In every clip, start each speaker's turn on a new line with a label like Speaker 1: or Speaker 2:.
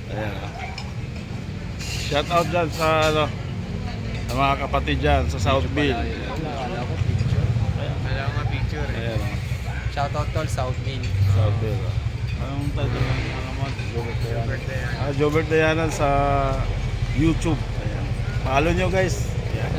Speaker 1: Ayan. Shout out dyan sa ano, sa mga kapatid dyan sa Southville.
Speaker 2: Wala ko picture. Wala ko picture eh.
Speaker 1: Ayan.
Speaker 2: Shoutout tol, Southville.
Speaker 1: Southville. Anong title ng ano mo? Jobert Dayanan. Jobert Dayanan sa YouTube. Ayan. Follow nyo guys. Ayan.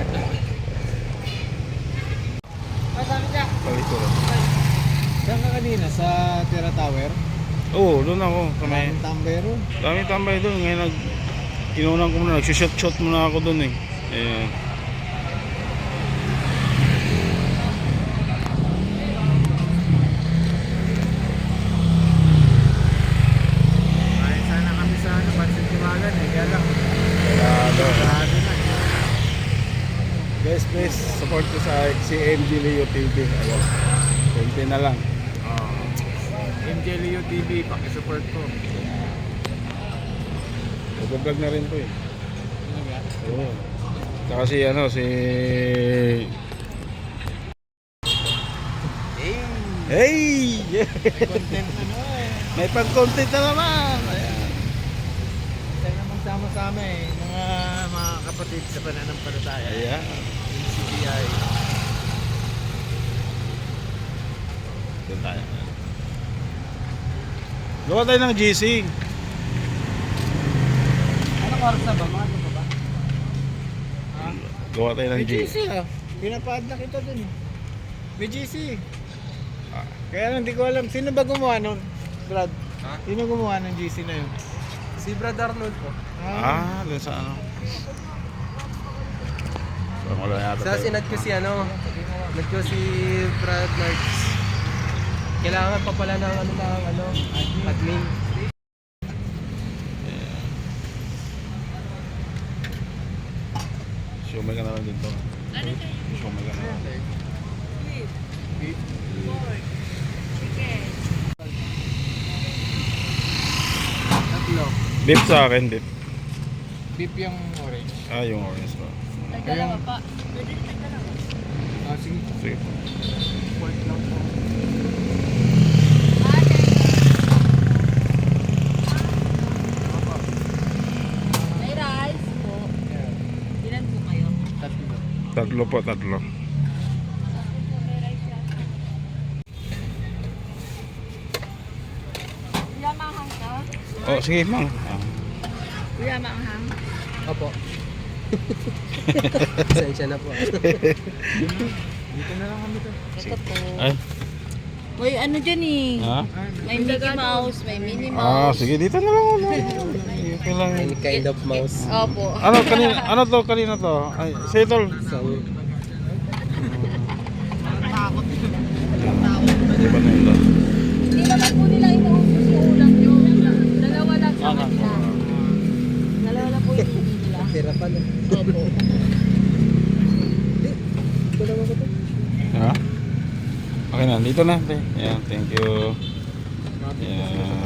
Speaker 1: Palito lang.
Speaker 2: Saan ka kanina? Sa Terra Tower?
Speaker 1: Oo, doon ako. Kamay.
Speaker 2: Tambero?
Speaker 1: Dami tambay doon. Ngayon kinunan ko muna. Nagsushot muna ako doon eh. Ayan.
Speaker 2: Sana kami sa ano, Pansin Timagan eh. Kaya lang. Sarado na.
Speaker 1: Guys, please support ko sa si MG Leo TV. Ayan. 20 na lang.
Speaker 2: MJ Leo TV, pakisupport ko.
Speaker 1: Nag-vlog na rin po eh. Oo. Saka si ano, si... Hey!
Speaker 2: Content ano eh.
Speaker 1: May pag-content na naman! Ayan.
Speaker 2: Sana magsama-sama eh. Mga kapatid sa pananampalataya.
Speaker 1: Ayan.
Speaker 2: CBI.
Speaker 1: Doon tayo. Gawa tayo ng GC.
Speaker 2: Anong oras na ba? Ano ba ba? Ha?
Speaker 1: Gawa tayo ng
Speaker 2: May
Speaker 1: GC.
Speaker 2: GC ah. Pinapaad na kita dun. May GC.
Speaker 1: Ah.
Speaker 2: Kaya lang hindi ko alam. Sino ba gumawa nun? Brad?
Speaker 3: Ha?
Speaker 2: Sino gumawa ng GC na yun?
Speaker 3: Si Brad Arnold po.
Speaker 1: Doon sa ano. So, wala yata
Speaker 3: Sa
Speaker 1: tayo.
Speaker 3: sinad ko si ano, nag ko si Brad Marks. Kailangan pa pala ng admin.
Speaker 1: Shumay ka na lang dito. Shumay ka na lang.
Speaker 2: Tatlo.
Speaker 1: Beef sa akin, beef.
Speaker 2: Beef yung orange.
Speaker 1: Yung orange pa.
Speaker 4: Ay, dalawa pa. Pwede rin dalawa.
Speaker 2: Ah, sige.
Speaker 1: Sige.
Speaker 2: Pork lang po.
Speaker 4: May rice po. Ilan po kayo?
Speaker 2: Tatlo.
Speaker 1: Tatlo po, tatlo.
Speaker 4: May rice yan. Kuya, mahang ka?
Speaker 1: Oh, sige, mang.
Speaker 4: Kuya, mahang.
Speaker 3: Opo. Pasensya na po.
Speaker 2: Dito na lang kami to.
Speaker 4: Ito po.
Speaker 1: Ay.
Speaker 4: May ano dyan eh.
Speaker 1: Ha?
Speaker 4: May Mickey Mouse, may Minnie Mouse.
Speaker 1: Sige, dito na lang. Okay lang.
Speaker 3: Any kind of mouse.
Speaker 4: Opo.
Speaker 1: Ano, kanina, ano to, kanina to? Ay, settle.
Speaker 3: So,
Speaker 1: Di ba na yun doon?
Speaker 4: Hindi naman po nila inuubos yung ulam nyo. Dalawa lang sa kanila. Dalawa lang po yung hindi nila.
Speaker 3: tira pa na.
Speaker 4: Opo.
Speaker 3: Ito naman ko to.
Speaker 1: Ha? Okay na, dito na. Ayan, thank you. Ayan.